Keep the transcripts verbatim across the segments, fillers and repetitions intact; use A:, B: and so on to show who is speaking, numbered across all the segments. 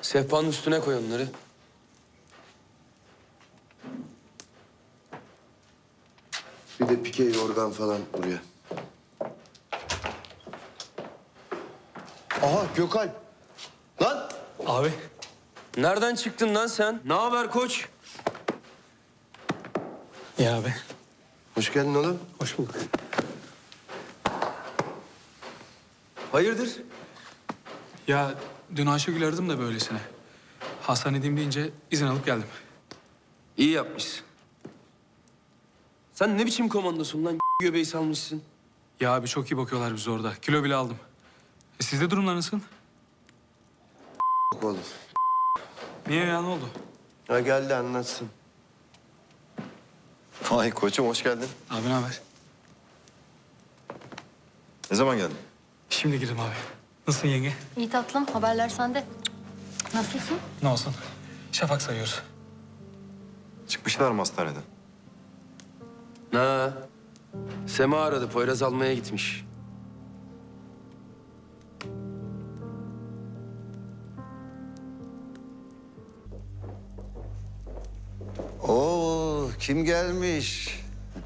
A: Sehpanın üstüne koy onları.
B: Bir de pike yorgan falan buraya. Aha Gökalp. Lan!
C: Abi.
A: Nereden çıktın lan sen? Ne haber koç?
C: Ya abi.
B: Hoş geldin oğlum.
C: Hoş bulduk.
A: Hayırdır?
C: Ya dün Ayşegül aradım da böylesine. Hastanedeyim deyince izin alıp geldim.
A: İyi yapmışsın. Sen ne biçim komandosun lan? Göbeği salmışsın.
C: Ya abi çok iyi bakıyorlar bize orada. Kilo bile aldım. E sizde durumlar nasıl?
B: Yok oğlum.
C: Niye ya, ne oldu?
B: Ha geldi anlatsın.
D: Vay koçum hoş geldin.
C: Abi ne haber?
D: Ne zaman geldin?
C: Şimdi girdim abi. Nasılsın yenge?
E: İyi tatlım, haberler sende. Nasılsın?
C: Ne olsun? Şafak sayıyoruz.
D: Çıkmışlar mı hastaneden?
A: Ha. Sema aradı. Poyraz almaya gitmiş.
F: Oo, kim gelmiş?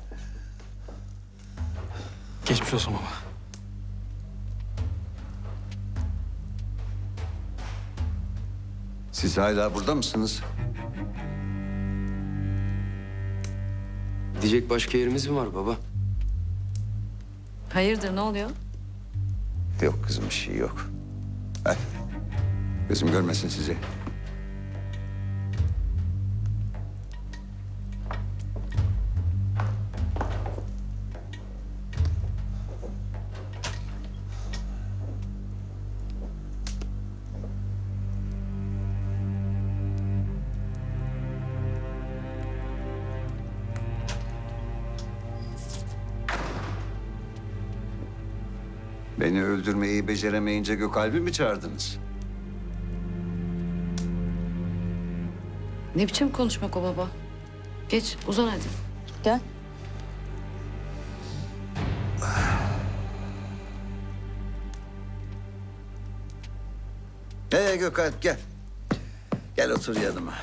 C: Geçmiş olsun baba.
F: Siz hala burada mısınız?
A: Gidecek başka yerimiz mi var baba?
E: Hayırdır, ne oluyor?
F: Yok kızım, bir şey yok. Hadi. Kızım görmesin sizi. Beni öldürmeyi beceremeyince Gökalp'i mi çağırdınız?
G: Ne biçim konuşmak o baba? Geç, uzan hadi. Gel.
F: Ee Gökalp gel. Gel otur yanıma.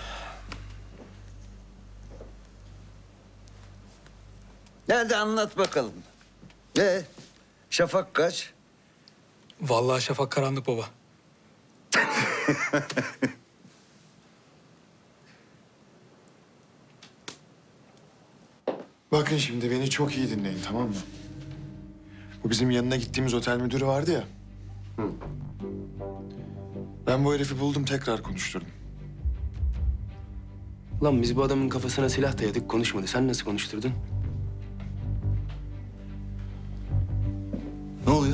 F: Nerede anlat bakalım. Ee, Şafak kaç?
C: Vallahi Şafak karanlık baba.
H: Bakın şimdi beni çok iyi dinleyin, tamam mı? Bu bizim yanına gittiğimiz otel müdürü vardı ya. Ben bu herifi buldum, tekrar konuşturdum.
A: Lan biz bu adamın kafasına silah dayadık, konuşmadı. Sen nasıl konuşturdun?
F: Ne oluyor?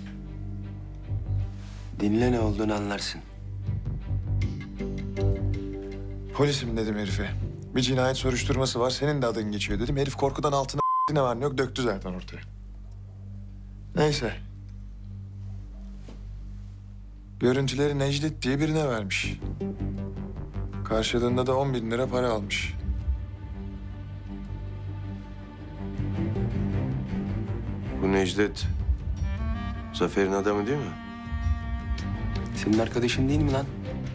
A: Dinle, ne olduğunu anlarsın.
H: Polisim dedim herife. Bir cinayet soruşturması var, senin de adın geçiyor dedim. Herif korkudan altına ne var ne yok döktü zaten ortaya. Neyse. Görüntüleri Necdet diye birine vermiş. Karşılığında da on bin lira para almış.
B: Bu Necdet Zafer'in adamı değil mi?
A: Senin arkadaşın değil mi lan?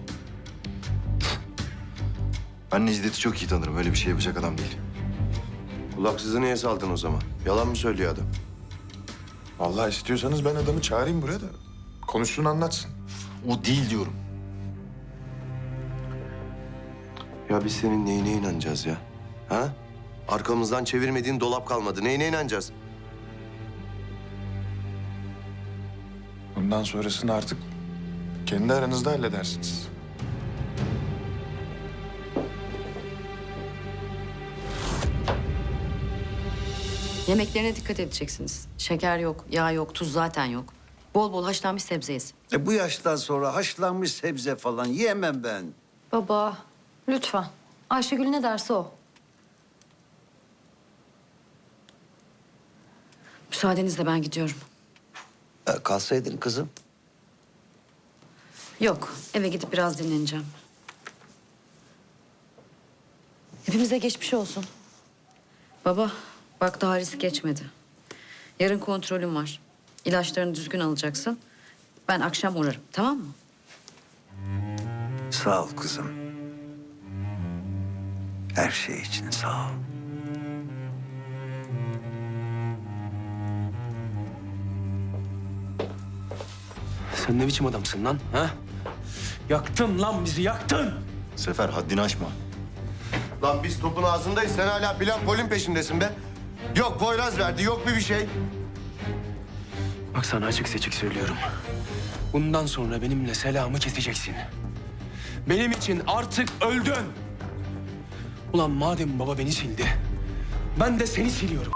D: Ben Necdet'i çok iyi tanırım. Öyle bir şey yapacak adam değil.
B: Kulaksızı niye saldın o zaman? Yalan mı söylüyor adam?
H: Vallahi istiyorsanız ben adamı çağırayım buraya da konuşsun anlatsın.
D: O değil diyorum.
B: Ya biz senin neyine inanacağız ya? Ha? Arkamızdan çevirmediğin dolap kalmadı. Neyine inanacağız?
H: Bundan sonrasını artık kendi aranızda halledersiniz.
G: Yemeklerine dikkat edeceksiniz. Şeker yok, yağ yok, tuz zaten yok. Bol bol haşlanmış sebze yesin.
F: E bu yaştan sonra haşlanmış sebze falan yiyemem ben.
E: Baba, lütfen. Ayşegül ne derse o.
G: Müsaadenizle ben gidiyorum.
F: E, kalsaydın kızım.
G: Yok, eve gidip biraz dinleneceğim. Hepimize geçmiş olsun. Baba, bak daha risk geçmedi. Yarın kontrolüm var. İlaçlarını düzgün alacaksın. Ben akşam uğrarım, tamam mı?
F: Sağ ol kızım. Her şey için sağ ol.
A: Sen ne biçim adamsın lan? Ha? Yaktın lan bizi, yaktın.
D: Sefer haddini aşma.
B: Lan biz topun ağzındayız. Sen hala plan polin peşindesin be. Yok Poyraz verdi, yok bir bir şey.
A: Bak sana açık seçik söylüyorum. Bundan sonra benimle selamı keseceksin. Benim için artık öldün. Ulan madem baba beni sildi, ben de seni siliyorum.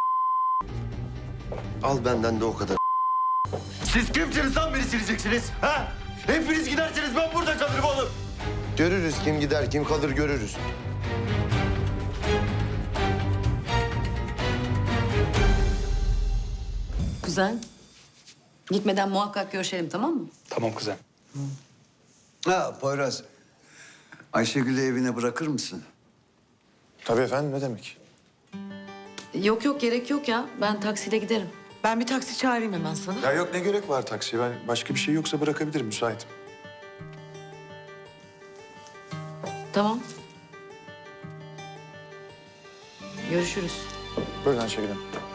B: Al benden de o kadar.
D: Siz kimsiniz lan beni sileceksiniz? Ha? Hepiniz giderseniz ben burada kalırım oğlum.
B: Görürüz kim gider, kim kalır görürüz.
G: Güzel. Gitmeden muhakkak görüşelim, tamam mı?
C: Tamam kuzen.
F: Ha Poyraz. Ayşegül'ü evine bırakır mısın?
H: Tabii efendim, ne demek?
G: Yok yok, gerek yok ya. Ben taksiyle giderim.
I: Ben bir taksi çağırayım hemen sana.
H: Ya yok, ne gerek var taksiye? Ben başka bir şey yoksa bırakabilirim, müsaitim.
G: Tamam. Görüşürüz.
H: Buyurun Ayşegül Hanım.